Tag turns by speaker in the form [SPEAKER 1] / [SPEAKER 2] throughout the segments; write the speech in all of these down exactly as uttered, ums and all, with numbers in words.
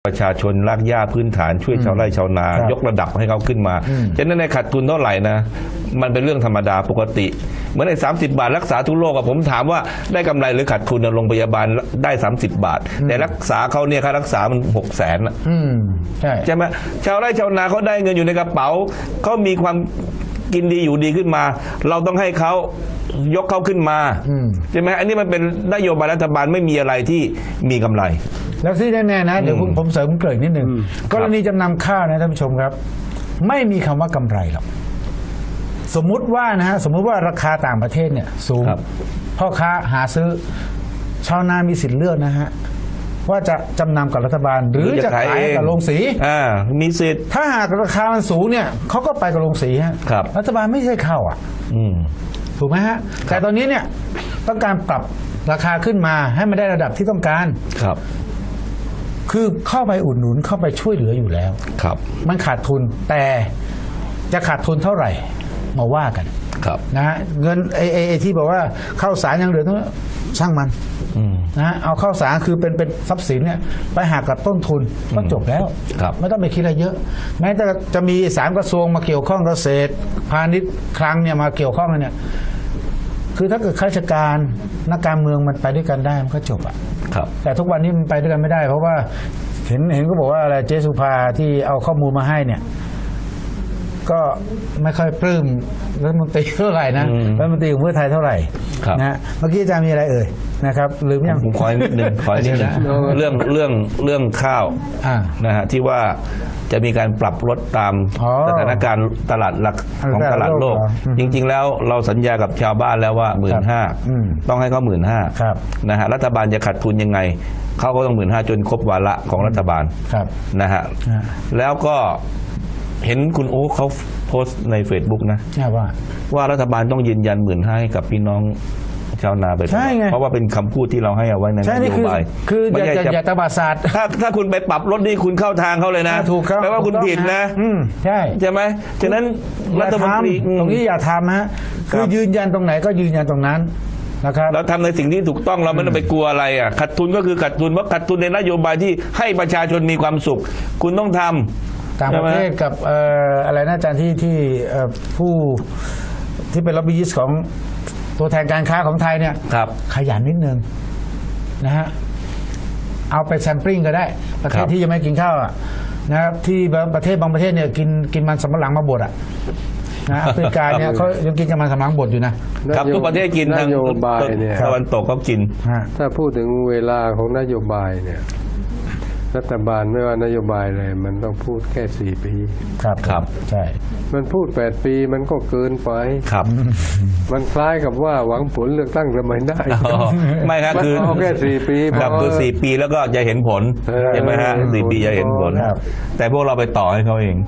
[SPEAKER 1] ประชาชนรากหญ้าพื้นฐานช่วยชาวไร่ชาวนายกระดับให้เขาขึ้นมาฉะนั้นในขาดทุนเท่าไหร่นะมันเป็นเรื่องธรรมดาปกติเหมือนในสามสิบบาทรักษาทุกโรคผมถามว่าได้กำไรหรือขาดทุนโรงพยาบาลได้สามสิบบาทแต่รักษาเขาเนี่ยค่ารักษามันหกแสนใช่ใช่ไหมชาวไร่ชาวนาเขาได้เงินอยู่ในกระเป๋าเขามีความกินดีอยู่ดีขึ้นมาเราต้องให้เขายกเขาขึ้นมาใช่ไหมอันนี้มันเป็นนโยบายรัฐบาลไม่มีอะไรที่มีกำไร
[SPEAKER 2] แล้วที่แน่ๆนะเดี๋ยวผมเสริมเกริ่นนิดหนึ่งกรณีจำนำข้าวนะท่านผู้ชมครับไม่มีคำว่ากำไรหรอกสมมุติว่านะฮะสมมุติว่าราคาต่างประเทศเนี่ยสูงพ่อค้าหาซื้อชาวนามีสิทธิ์เลือกนะฮะว่าจะจำนำกับรัฐบาลหรือจะขายกับโรงสี
[SPEAKER 1] อ่ามีสิทธิ์
[SPEAKER 2] ถ้าหากราคามันสูงเนี่ยเขาก็ไปกับโรงสีฮะรัฐบาลไม่ใช่เข้าอ่ะถูกไหมฮะแต่ตอนนี้เนี่ยต้องการปรับราคาขึ้นมาให้มันได้ระดับที่ต้องการ
[SPEAKER 1] ครับ
[SPEAKER 2] คือเข้าไปอุดหนุนเข้าไปช่วยเหลืออยู่แล้ว
[SPEAKER 1] ครับ
[SPEAKER 2] มันขาดทุนแต่จะขาดทุนเท่าไหร่มาว่ากัน
[SPEAKER 1] ครับ
[SPEAKER 2] นะฮะเงินไอ้ไอ้ที่บอกว่าข้าวสารยังเหลือต้องช่างมันนะฮะเอาข้าวสารคือเป็นเป็นทรัพย์สินเนี่ยไปหักกับต้นทุนก็จบแล้วไม่ต้องไปคิดอะไรเยอะแม้จะจะมีสามกระทรวงมาเกี่ยวข้องเกษตรพาณิชย์คลังเนี่ยมาเกี่ยวข้องเนี่ยคือถ้าเกิดข้าราชการนักการเมืองมันไปด้วยกันได้มันก็จบอ่ะแต่ทุกวันนี้มันไปด้วยกันไม่ได้เพราะว่าเห็นเห็นก็บอกว่าอะไรเจสุภาที่เอาข้อมูลมาให้เนี่ยก็ไม่ค่อยปลื้มรัฐมนตรีเท่าไหร่นะรัฐมนตรีของเพื่อไทยเท่าไหร่นะเมื่อกี้อาจารย์มีอะไรเอ่ยนะครับลืมยัง
[SPEAKER 1] ผมขอนิดนึงขอนิดนึงเรื่องเรื่องเรื่องข้าวนะฮะที่ว่าจะมีการปรับลดตามสถานการณ์ตลาดหลักของตลาดโลกจริงๆแล้วเราสัญญากับชาวบ้านแล้วว่าหมื่นห้าต้องให้เขาหมื่นห้านะฮะรัฐบาลจะขาดทุนยังไงเขาก็ต้องหมื่นห้าจนครบวาระของรัฐบาลนะฮะแล้วก็เห็นคุณโอ๊คเขาโพสต์ใน Facebook นะว่าว่ารัฐบาลต้องยืนยันหมื่นห้าให้กับพี่น้องชาวนาไปเพราะว่าเป็นคำพูดที่เราให้เอาไว้ในนโยบาย
[SPEAKER 2] คืออย่าอย่าตบาศาสตร์
[SPEAKER 1] ถ้าถ้าคุณไปปรับลดนี่คุณเข้าทางเขาเลยนะ
[SPEAKER 2] ถูกครับ
[SPEAKER 1] แปลว่าคุณผิดนะ
[SPEAKER 2] ใช่
[SPEAKER 1] ใช่ไหมฉะนั้น
[SPEAKER 2] รัฐมนตรีตรงนี้อย่าทำฮะคือยืนยันตรงไหนก็ยืนยันตรงนั้นนะครับ
[SPEAKER 1] เราทำในสิ่งที่ถูกต้องเราไม่ต้องไปกลัวอะไรอ่ะขาดทุนก็คือขาดทุนเพราะขาดทุนในนโยบายที่ให้ประชาชนมีความสุขคุณต้องทำ
[SPEAKER 2] ต่างประเทศกับอะไรนะอาจารย์ที่ที่ผู้ที่เป็นล็อบบี้ยิสต์ของตัวแทนการค้าของไทยเนี่ยขยันนิดนึงนะฮะเอาไปแซมปลิ้งก็ได้ประเทศที่ยังไม่กินข้าวอ่ะนะครับที่ประเทศบางประเทศเนี่ยกินกินมันสำปะหลังมาบดอ่ะนะแอฟริกาเนี่ยเขายังกินกันมันสำปะหลังบดอยู่
[SPEAKER 1] นะครับทุกประเทศกินทางตะวันตกก็กิน
[SPEAKER 3] ถ้าพูดถึงเวลาของนโยบายเนี่ยรัฐบาลไม่ว่านโยบายเลยมันต้องพูดแค่สี่ปี
[SPEAKER 2] ครับครับใช่
[SPEAKER 3] มันพูดแปดปีมันก็เกินไป
[SPEAKER 1] ครับ
[SPEAKER 3] มันคล้ายกับว่าหวังผลเลือกตั้งทำไมได้
[SPEAKER 1] ไม่ครับคือ
[SPEAKER 3] แค่สี่ปี
[SPEAKER 1] ครับคือสี่ปีแล้วก็จะเห็นผลใช่ไหมฮะสี่ปีจะเห็นผลแต่พวกเราไปต่อให้เขาเอง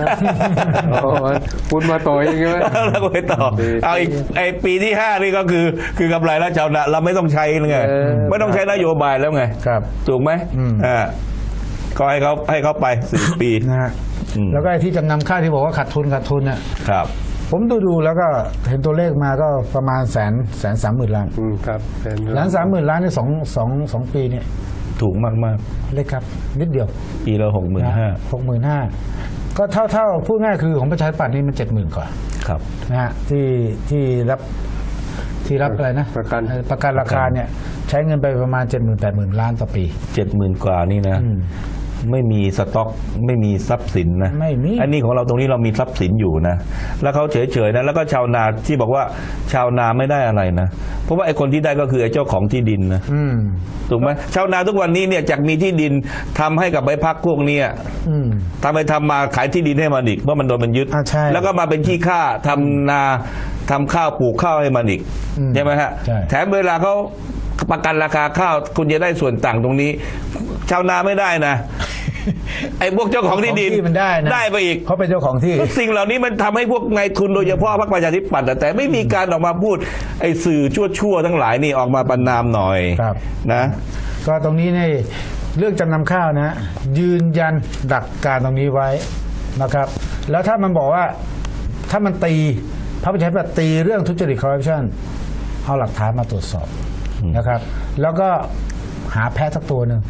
[SPEAKER 3] คุณมาต่อเองใช่ไหม
[SPEAKER 1] เราไปต่อเอาอีกไอปีที่ห้านี่ก็คือคือกำไรแล้วชาวนาเราไม่ต้องใช้ไงไม่ต้องใช้นโยบายแล้วไงถูกไหมอ่าก็ให้เขาให้เขาไปสี่ปี
[SPEAKER 2] นะฮะแล้วก็ไอ้ที่จำนำข้าวที่บอกว่าขาดทุนขาดทุนเนี่ย
[SPEAKER 1] ครับ
[SPEAKER 2] ผมดูดูแล้วก็เห็นตัวเลขมาก็ประมาณแสนแสนสามหมื่นล้าน
[SPEAKER 3] ครับ
[SPEAKER 2] ล้านสามหมื่นล้านในสองสองสองปีเนี่ย
[SPEAKER 1] ถูกมากมาก
[SPEAKER 2] เล็กครับนิดเดียว
[SPEAKER 1] ปีละหกหมื่นห้า
[SPEAKER 2] หกหมื่นห้าก็เท่าเท่าพูดง่ายคือของประชาธิปัตย์นี่มันเจ็ดหมื่นกว่า
[SPEAKER 1] ครับ
[SPEAKER 2] นะฮะที่ที่รับที่รับอะไรนะ
[SPEAKER 3] ประกัน
[SPEAKER 2] ประกันราคาเนี่ยใช้เงินไปประมาณเจ็ดหมื่นแปดหมื่นล้านต่อปี
[SPEAKER 1] เจ็ดหมื่นกว่านี่นะไม่มีสต็อกไม่มีทรัพย์สินนะ
[SPEAKER 2] ไม่มี
[SPEAKER 1] อันนี้ของเราตรงนี้เรามีทรัพย์สินอยู่นะแล้วเขาเฉยๆนะแล้วก็ชาวนาที่บอกว่าชาวนาไม่ได้อะไรนะเพราะว่าไอ้คนที่ได้ก็คือไอ้เจ้าของที่ดินนะถูกไหมชาวนาทุกวันนี้เนี่ยจากมีที่ดินทำให้กับใบพักพวกนี้ทำไปทำมาขายที่ดินให้มันอีกเพราะมันโดนมันยึดแล้วก็มาเป็นขี้ข้าทำนาทำข้าวปลูกข้าวให้มันอีกใช่ไหมฮะแถมเวลาเขาประกันราคาข้าวคุณจะได้ส่วนต่างตรงนี้ชาวนาไม่ได้นะไอ้พวกเจ้าของที่ดิน
[SPEAKER 2] มันได้นะ
[SPEAKER 1] ได้ไปอีก
[SPEAKER 2] เขาเป็นเจ้าของที่
[SPEAKER 1] สิ่งเหล่านี้มันทำให้พวกนายทุนโดยเฉพาะพรรคประชาธิปัตย์แต่ไม่มีการออกมาพูดไอ้สื่อชั่วๆทั้งหลายนี่ออกมาประณามหน่อยนะ
[SPEAKER 2] ก็ตรงนี้ในเรื่องจำนำข้าวนะยืนยันหลักการตรงนี้ไว้นะครับแล้วถ้ามันบอกว่าถ้ามันตีพรรคประชาธิปัตย์ตีเรื่องทุจริตคอร์รัปชันเอาหลักฐานมาตรวจสอบนะครับแล้วก็หาแพะสักตัวหนึ่ง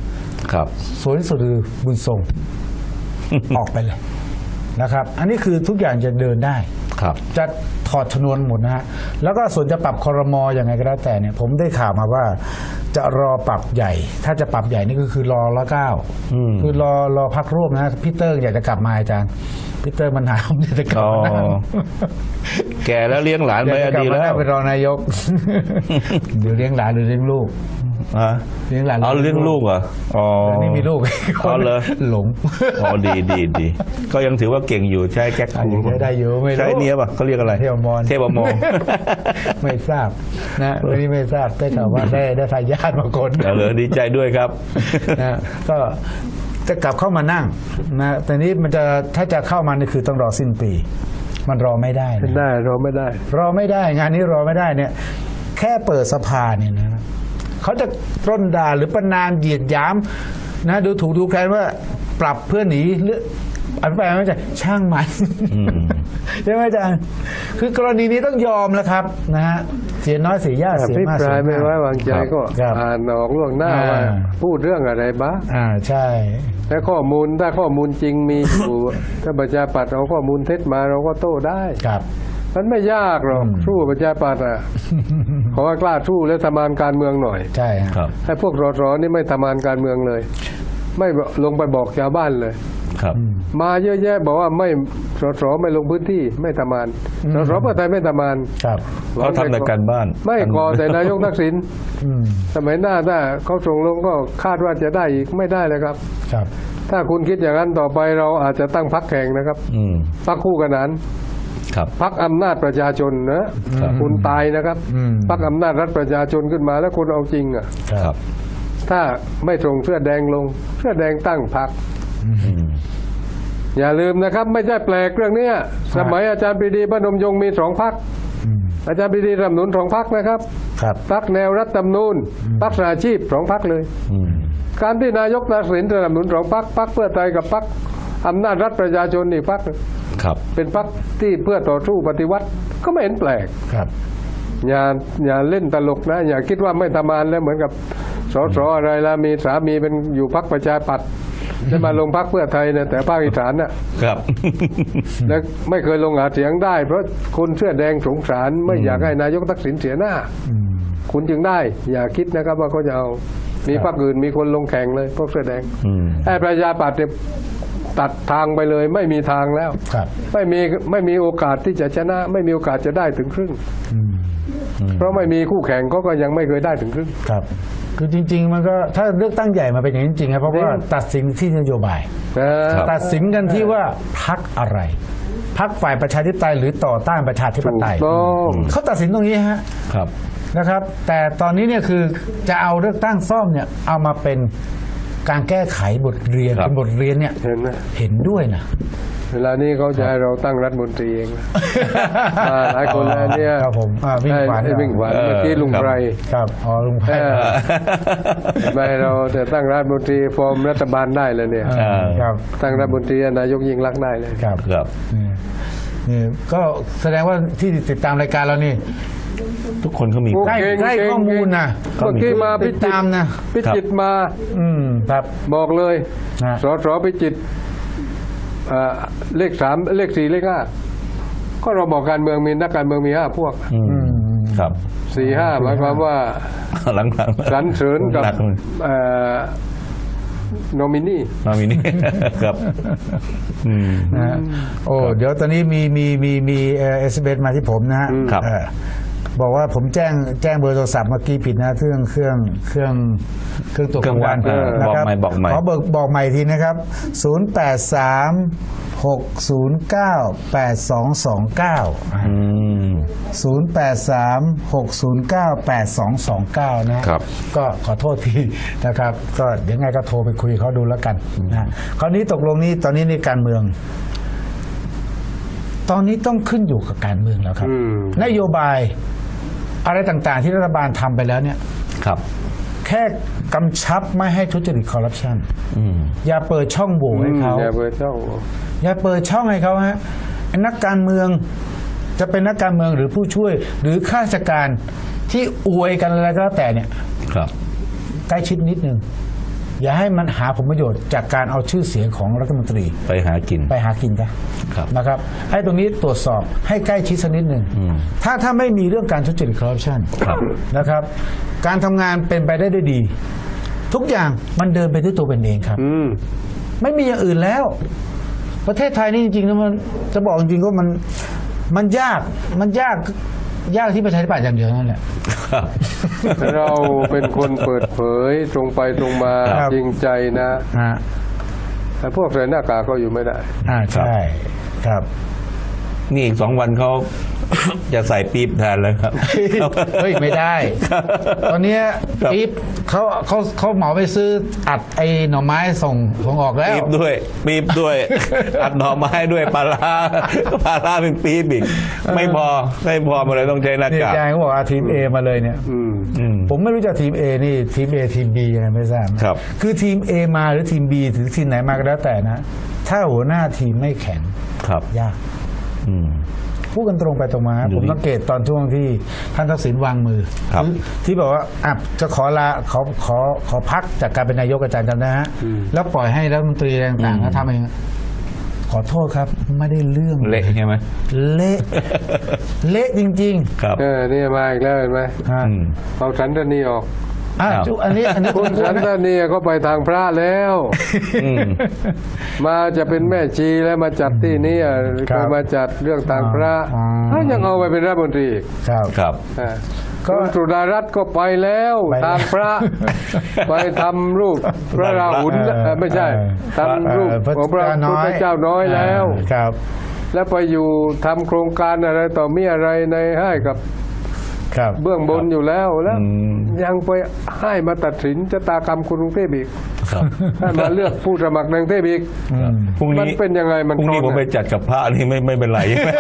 [SPEAKER 1] ครับ
[SPEAKER 2] สวยที่สุดคือบุญทรง ออกไปเลยนะครับ อันนี้คือทุกอย่างจะเดินได้
[SPEAKER 1] ครับ
[SPEAKER 2] จะถอดชนวนหมดนะฮะแล้วก็ส่วนจะปรับครมอย่างไงก็แล้วแต่เนี่ยผมได้ข่าวมาว่าจะรอปรับใหญ่ ถ้าจะปรับใหญ่นี่ก็คือรอละเก้าคือรอรอพักร่วมนะพี่เตอร์อยากจะกลับมาอาจารย์พี่เตอร์มันหาผมอยากจะกลับมา
[SPEAKER 1] แก่แล้วเลี้ยงหลานไป
[SPEAKER 2] อยากจะกลับ
[SPEAKER 1] ดี
[SPEAKER 2] มา
[SPEAKER 1] แล้ว
[SPEAKER 2] เป็นรองนายก เดี๋ยวเลี้ยงหลานหรือเลี้ยงลูก
[SPEAKER 1] ฮะ
[SPEAKER 2] เลี้ยงหลาน
[SPEAKER 1] เอาเลี้ยงลูกเหรออ๋อ
[SPEAKER 2] แต่นี่มีลูก
[SPEAKER 1] อ๋อเหรอ
[SPEAKER 2] หลง
[SPEAKER 1] อ๋อดีดีดีก็ยังถือว่าเก่งอยู่ใช้แก๊กคู
[SPEAKER 2] ยังใช้ได้อยู่ไม่รู้
[SPEAKER 1] ใช้เนี้ยป่ะเขาเรียกอะไร
[SPEAKER 2] เทพมร
[SPEAKER 1] เทพมร
[SPEAKER 2] ไม่ทราบนะวันนี้ไม่ทราบได้ข่าวว่าได้ได้ทายาทมาคน
[SPEAKER 1] เอาเลยดีใจด้วยครับ
[SPEAKER 2] นะก็จะกลับเข้ามานั่งนะแต่นี้มันจะถ้าจะเข้ามานี่คือต้องรอสิ้นปี มันรอไม่ได้นะ
[SPEAKER 3] ไม่ได้เราไม่ได้
[SPEAKER 2] รอไม่ได้งานนี้รอไม่ได้เนี่ย แค่เปิดสภาเนี่ยนะเขาจะร่นด่าหรือประนามเหยียดหยามนะดูถูกดูแคลนว่าปรับเพื่อหนีหรืออันแปลไม่ใช่ช่างมัน
[SPEAKER 1] อืม
[SPEAKER 2] ใช่ไหมอาจารย์คือกรณีนี้ต้องยอมแล้วครับนะฮะเสียน้อยเสียยาก
[SPEAKER 3] อ
[SPEAKER 2] เสีย
[SPEAKER 3] ภิ
[SPEAKER 2] มาก
[SPEAKER 3] ป
[SPEAKER 2] เสี
[SPEAKER 3] ราย
[SPEAKER 2] ย
[SPEAKER 3] ไม่
[SPEAKER 2] มาก
[SPEAKER 3] ไว้วางใจก็
[SPEAKER 2] ครับ
[SPEAKER 3] อ่านออกล่วงหน้า
[SPEAKER 2] อ่า
[SPEAKER 3] ว่าพูดเรื่องอะไรบ้าง
[SPEAKER 2] อ่าใช่
[SPEAKER 3] ถ้าข้อมูลถ้าข้อมูลจริงมีอยู่ ถ้าประชาปัตย์เอาข้อมูลเท็จมาเราก็โต้ได้
[SPEAKER 2] ครับ
[SPEAKER 3] มันไม่ยากหรอก
[SPEAKER 2] อืม
[SPEAKER 3] สู้ประชาปัตย์อ่ะ ขอว่ากล้าสู้และทำงานการเมืองหน่อย
[SPEAKER 2] ใช่ฮะ
[SPEAKER 1] ครับ
[SPEAKER 3] ให้พวกรอรอนี่ไม่ทำงานการเมืองเลย ไม่ลงไปบอกชาวบ้านเลย
[SPEAKER 1] ครับ
[SPEAKER 3] มาเยอะแยะบอกว่าไม่สสไม่ลงพื้นที่ไม่ทำงานสสเพื่อไทยไม่ทำงาน
[SPEAKER 2] ครับ
[SPEAKER 1] เขาทำแต่การบ้าน
[SPEAKER 3] ไม่ก่อแต่นายกทักษิณ
[SPEAKER 2] อืม
[SPEAKER 3] สมัยหน้าถ้าเขาส่งลงก็คาดว่าจะได้อีกไม่ได้เลยครับ
[SPEAKER 2] ครับ
[SPEAKER 3] ถ้าคุณคิดอย่างนั้นต่อไปเราอาจจะตั้งพรรคแข่งนะครับ
[SPEAKER 1] อืม
[SPEAKER 3] พรรคคู่ขนาน
[SPEAKER 1] ครับ
[SPEAKER 3] พรรคอำนาจประชาชนนะครับ คุณตายนะครับ
[SPEAKER 2] อืม
[SPEAKER 3] พรรคอำนาจรัฐประชาชนขึ้นมาแล้วคุณเอาจริงอ่ะ
[SPEAKER 1] ครับ
[SPEAKER 3] ถ้าไม่ส่งเสื้อแดงลงเสื้อแดงตั้งพรรค
[SPEAKER 1] อืม
[SPEAKER 3] อย่าลืมนะครับ ไม่ใช่แปลกเรื่องเนี้ยสมัยอาจารย์ปรีดีพนมยงค์มีสองพรรค
[SPEAKER 2] อืม
[SPEAKER 3] อาจารย์ปรีดีสนับสนุนสองพรรคนะครับ
[SPEAKER 2] ครับ
[SPEAKER 3] พรรคแนวรัฐธรรมนูญพรรคสหอาชีพสองพรรคเลย
[SPEAKER 1] อืม
[SPEAKER 3] การที่นายกทักษิณสนับสนุนสองพรรคพรรคเพื่อไทยกับพรรคอำนาจรัฐประชาชนอีกพรรค
[SPEAKER 1] ครับ
[SPEAKER 3] เป็นพรรคที่เพื่อต่อสู้ปฏิวัติก็ไม่เห็นแปลก
[SPEAKER 2] ครับ
[SPEAKER 3] อย่าอย่าเล่นตลกนะ อย่าคิดว่าไม่ทำงานแล้วเหมือนกับสสอะไรละมีสามีเป็นอยู่พรรคประชาปัตย์จะมาลงพรรคเพื่อไทยนะแต่ภาคอีสานน่ะ
[SPEAKER 1] ครับ
[SPEAKER 3] แล้วไม่เคยลงหาเสียงได้ เพราะคนเสื้อแดงสงสารไม่อยากให้นายกทักษิณเสียหน้า
[SPEAKER 2] อืม
[SPEAKER 3] คุณจึงได้ อย่าคิดนะครับว่าเขาจะเอามีพรรคอื่นมีคนลงแข่งเลยพวกเสื้อแดง
[SPEAKER 1] อืม
[SPEAKER 3] ไอ้ประชาปัตย์เนี่ยตัดทางไปเลยไม่มีทางแล้ว
[SPEAKER 2] ครับ
[SPEAKER 3] ไม่มีไม่มีโอกาสที่จะชนะ ไม่มีโอกาสจะได้ถึงครึ่ง
[SPEAKER 2] อืม
[SPEAKER 3] เพราะไม่มีคู่แข่งเขาก็ยังไม่เคยได้ถึงครึ่ง
[SPEAKER 2] ครับ คือจริง ๆ มันก็ถ้าเลือกตั้งใหญ่มาเป็นอย่างนี้จริงๆครับเพราะว่าตัดสินที่นโยบาย
[SPEAKER 1] ครับ
[SPEAKER 2] ตัดสินกันที่ว่าพักอะไรพักฝ่ายประชาธิปไตยหรือต่อต้านประชาธิปไตย
[SPEAKER 3] ถูกต้อง
[SPEAKER 2] เขาตัดสินตรงนี้ฮะ
[SPEAKER 1] ครับ
[SPEAKER 2] นะครับ แต่ตอนนี้เนี่ยคือจะเอาเลือกตั้งซ่อมเนี่ยเอามาเป็นการแก้ไขบทเรียน
[SPEAKER 1] ครับ
[SPEAKER 2] เป็นบทเรียนเนี่ย
[SPEAKER 3] เห็นไหม
[SPEAKER 2] เห็นด้วยนะ
[SPEAKER 3] เวลานี้เขาจะให้เราตั้งรัฐมนตรีเองนะ อ่าหลายคนแล้วเนี่ย
[SPEAKER 2] ครับผมอ่าวิ่งขวาน
[SPEAKER 3] ไอ้วิ่งขวาน
[SPEAKER 1] เออ
[SPEAKER 3] เมื่อกี้ลุง
[SPEAKER 1] ครับ
[SPEAKER 3] ไพร
[SPEAKER 2] ครับอ๋อลุงไพ
[SPEAKER 3] เออไม่เราแต่ตั้งรัฐมนตรีฟอร์มรัฐบาลได้เลยเนี่ย
[SPEAKER 2] เออครับ
[SPEAKER 3] ตั้งรัฐมนตรีนายกยิ่งรักษณ์ได้เลย
[SPEAKER 2] ครับ
[SPEAKER 1] ครับ
[SPEAKER 2] นี่นี่ก็แสดงว่าที่ติดตามรายการเรานี่
[SPEAKER 1] ทุกคนเขามี
[SPEAKER 3] โอ
[SPEAKER 2] ใกล้
[SPEAKER 3] เค
[SPEAKER 2] ใกล้ข้อมูลนะ
[SPEAKER 3] เมื่อกี้มาพิ
[SPEAKER 2] ติด
[SPEAKER 3] จิต
[SPEAKER 2] ตาม
[SPEAKER 3] ร
[SPEAKER 2] นะ
[SPEAKER 3] พิจิตรมา
[SPEAKER 2] อืมครับ
[SPEAKER 3] บอกเลย
[SPEAKER 2] นะ
[SPEAKER 3] สสพิจิตรอ่าเลขสามเลขสี่เลขห้าก็เราบอกการเมืองมีนักการเมืองมีห้าพวก
[SPEAKER 1] อืม
[SPEAKER 2] อืม
[SPEAKER 1] ครับ
[SPEAKER 3] สี่ห้าหมายความว่า
[SPEAKER 1] หลังๆ
[SPEAKER 3] สรรเสริญกับ
[SPEAKER 1] หนัเลย
[SPEAKER 3] โนมินี
[SPEAKER 1] มามีนี่ ครับ อืม
[SPEAKER 2] นะฮะโอ้เดี๋ยวตอนนี้มีมีมีมีเอสเบมาที่ผมนะฮะ
[SPEAKER 1] ครับ
[SPEAKER 2] เออบอกว่าผมแจ้งแจ้งเบอร์โทรศัพท์เมื่อกี้ผิดนะเครื่องเครื่องเครื่องเครื่องตัวกลางวัน
[SPEAKER 1] เครื่องวัด
[SPEAKER 2] นะครับ
[SPEAKER 1] บอกใหม่บอกใหม่
[SPEAKER 2] ขอเบิกบอกใหม่ทีนะครับ ศูนย์ แปด สาม หก ศูนย์ เก้า แปด สอง สอง เก้า
[SPEAKER 1] อืม
[SPEAKER 2] ศูนย์ แปด สาม หก ศูนย์ เก้า แปด สอง สอง เก้า นะฮะ
[SPEAKER 1] ครับ
[SPEAKER 2] ก็ขอโทษทีนะครับ ก็เดี๋ยวไงก็โทรไปคุยเขาดูแล้วกันนะคราวนี้ตกลงนี้ตอนนี้ในการเมือง ตอนนี้ต้องขึ้นอยู่กับการเมืองแล้วครับ
[SPEAKER 3] อืม
[SPEAKER 2] นโยบายอะไรต่างๆ ที่รัฐบาลทำไปแล้วเนี่ย
[SPEAKER 1] ครับ
[SPEAKER 2] แค่กำชับไม่ให้ทุจริตคอร์รัปชัน
[SPEAKER 1] อืม
[SPEAKER 2] อย่าเปิดช่องโหว่ให้เขา
[SPEAKER 3] อย่าเปิดช่อง
[SPEAKER 2] อย่าเปิดช่องให้เขาฮะไอ้นักการเมืองจะเป็นนักการเมืองหรือผู้ช่วย หรือข้าราชการที่อวยกันอะไรก็แล้วแต่เนี่ย
[SPEAKER 1] ครับ
[SPEAKER 2] ใกล้ชิดนิดนึงอย่าให้มันหาผลประโยชน์จากการเอาชื่อเสียงของรัฐมนตรี
[SPEAKER 1] ไปหากิน
[SPEAKER 2] ไปหากินจ้ะ
[SPEAKER 1] ครับ
[SPEAKER 2] นะครับไอ้ตรงนี้ตรวจสอบให้ใกล้ชิดสักนิดหนึ่งถ้าถ้าไม่มีเรื่องการทุจริตคอร์รัปชัน
[SPEAKER 1] ครับ
[SPEAKER 2] นะครับ การทำงานเป็นไปได้ด้วยดี ทุกอย่างมันเดินไปด้วยตัวเป็นเองครับ
[SPEAKER 3] อืม
[SPEAKER 2] ไม่มีอย่างอื่นแล้ว ประเทศไทยนี่จริงๆแล้วมันจะบอกจริงๆว่ามันมันยากมันยากยากที่ประชาธิปัตย์อย่างเดียวนั่นแหละ
[SPEAKER 1] ครับ
[SPEAKER 3] เราเป็นคนเปิดเผยตรงไปตรงมา
[SPEAKER 2] ครับ
[SPEAKER 3] จริงใจนะ
[SPEAKER 2] ฮะ
[SPEAKER 3] แต่พวกใส่หน้ากากก็อยู่ไม่ได้
[SPEAKER 2] อ่าใช่ครับ
[SPEAKER 1] นี่อีกสองวันเขา จะใส่ปี๊บแทนเลยครับ
[SPEAKER 2] เฮ้ยไม่ได้ ตอนเนี้ย
[SPEAKER 1] ครับ
[SPEAKER 2] ปี๊บเขาเขาเขาเหมาไปซื้ออัดไอ้หน่อไม้ส่งส่งออกแล้ว
[SPEAKER 1] ปี๊บด้วยปี๊บด้วย อัดหน่อไม้ด้วยปลาร้าปลาร้าเป็นปี๊บอีกไม่พอไม่พอมาเลยต้องใช้หน้า
[SPEAKER 2] นี่
[SPEAKER 1] กาก
[SPEAKER 2] อาจารย์เขาบอกว่าทีม A มาเลยเนี่ย
[SPEAKER 3] อืม
[SPEAKER 1] อืม
[SPEAKER 2] ผมไม่รู้จักทีม A นี่ทีม A ทีม B ยังไงไม่ทราบ
[SPEAKER 1] ครับ
[SPEAKER 2] คือทีม A มาหรือทีม B หรือทีมไหนมาก็แล้วแต่นะ ถ้าหัวหน้าทีมไม่แข็ง
[SPEAKER 1] ครับ
[SPEAKER 2] ยาก
[SPEAKER 1] อืม
[SPEAKER 2] พูดกันตรงไปตรงมา
[SPEAKER 1] ดู
[SPEAKER 2] ผม
[SPEAKER 1] ดิ
[SPEAKER 2] สังเกตตอนช่วงที่ท่านทักษิณวางมือ
[SPEAKER 1] ครับ
[SPEAKER 2] ที่ที่บอกว่าอ่ะจะขอลาขอขอขอพักจากการเป็นนายกอาจารย์จำได้ฮะแล้วปล่อยให้รัฐมนตรีต่างๆเขาทำเองขอโทษครับ ไม่ได้เรื่อง
[SPEAKER 1] เละใช่ไหม
[SPEAKER 2] เละ เละจริง
[SPEAKER 1] ครับ
[SPEAKER 3] เออนี่มาอีกแล้วเห็นไหม
[SPEAKER 2] ๆฮะ
[SPEAKER 1] อืม
[SPEAKER 3] เอาสันตนีออก
[SPEAKER 2] อ่ะ
[SPEAKER 1] ครับ
[SPEAKER 2] จุอันนี้อันนี้
[SPEAKER 3] คุณสันตนีก็ไปทางพระแล้ว
[SPEAKER 1] อืม
[SPEAKER 3] มาจะเป็นแม่ชีแล้วมาจัดที่นี่อ่ะ
[SPEAKER 2] ครับ
[SPEAKER 3] ก็มาจัดเรื่องทางพระ
[SPEAKER 2] อ๋อ
[SPEAKER 3] ถ้ายังเอาไปเป็นรัฐมนตรีอีก
[SPEAKER 2] ครับ
[SPEAKER 1] ครับ
[SPEAKER 3] อ่า
[SPEAKER 2] ก็
[SPEAKER 3] คุณสุดารัตน์ก็ไปแล้ว
[SPEAKER 2] ไปแล้ว
[SPEAKER 3] ทางพระ ไปทำรูปพระราหุล
[SPEAKER 2] เออ
[SPEAKER 3] เอ่อไม่ใช่
[SPEAKER 2] เออ
[SPEAKER 3] ทำรูป
[SPEAKER 2] เอ่อ
[SPEAKER 3] ของพระพุทธเจ้าน้อยแล้ว
[SPEAKER 2] ครับ
[SPEAKER 3] แล้วไปอยู่ทำโครงการอะไรต่อมีอะไรในให้กับ
[SPEAKER 2] ครับ
[SPEAKER 3] เบื้องบนอยู่แล้วแล้ว
[SPEAKER 1] อืม
[SPEAKER 3] ยังไปให้มาตัดสินชะตากรรมคนกรุงเทพอีก
[SPEAKER 1] ครับ
[SPEAKER 3] ให้มาเลือกผู้สมัครในกรุงเทพอีก
[SPEAKER 2] อืม
[SPEAKER 1] พรุ่ง
[SPEAKER 3] มัน
[SPEAKER 1] นี้
[SPEAKER 3] เป็นยังไงมัน
[SPEAKER 1] พรุ่งนี้
[SPEAKER 3] คร
[SPEAKER 1] ผ
[SPEAKER 3] อง
[SPEAKER 1] มไป
[SPEAKER 3] เนี่ย
[SPEAKER 1] จัดกับพระนี่ไม่ไม่เป็นไร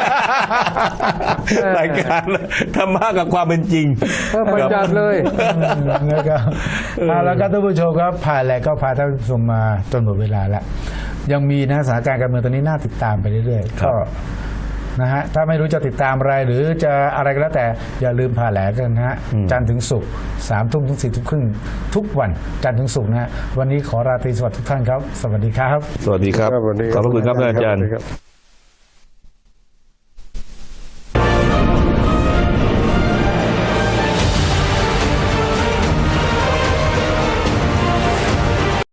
[SPEAKER 1] รายการธรรมะกับความเป็นจริง
[SPEAKER 3] เออไปจัดเลย
[SPEAKER 2] แล้วก็เอาแล้วก็ท่านผู้ชมครับผ่านแล้วก็พาท่านผู้ชมมาจนหมดเวลาแล้วยังมีนะสถานการณ์การเมืองตอนนี้น่าติดตามไปเรื่อยๆ
[SPEAKER 1] ครั
[SPEAKER 2] ก็
[SPEAKER 1] บ
[SPEAKER 2] นะฮะถ้าไม่รู้จะติดตามอะไรหรือจะอะไรก็แล้วแต่อย่าลืมผ่าแหลกันนะฮะจันทร์ถึงศุกร์สามทุ่มถึงสี่ทุ่มครึ่งทุกวันจันทร์ถึงศุกร์นะฮะวันนี้ขอราตรีสวัสดิ์ทุกท่านครับ สวัสดีครับ
[SPEAKER 1] สวัสดีครับ
[SPEAKER 3] ครับสวัสดี
[SPEAKER 1] ขอบพระคุณครับท่านอาจารย์
[SPEAKER 3] สวัสดีครับ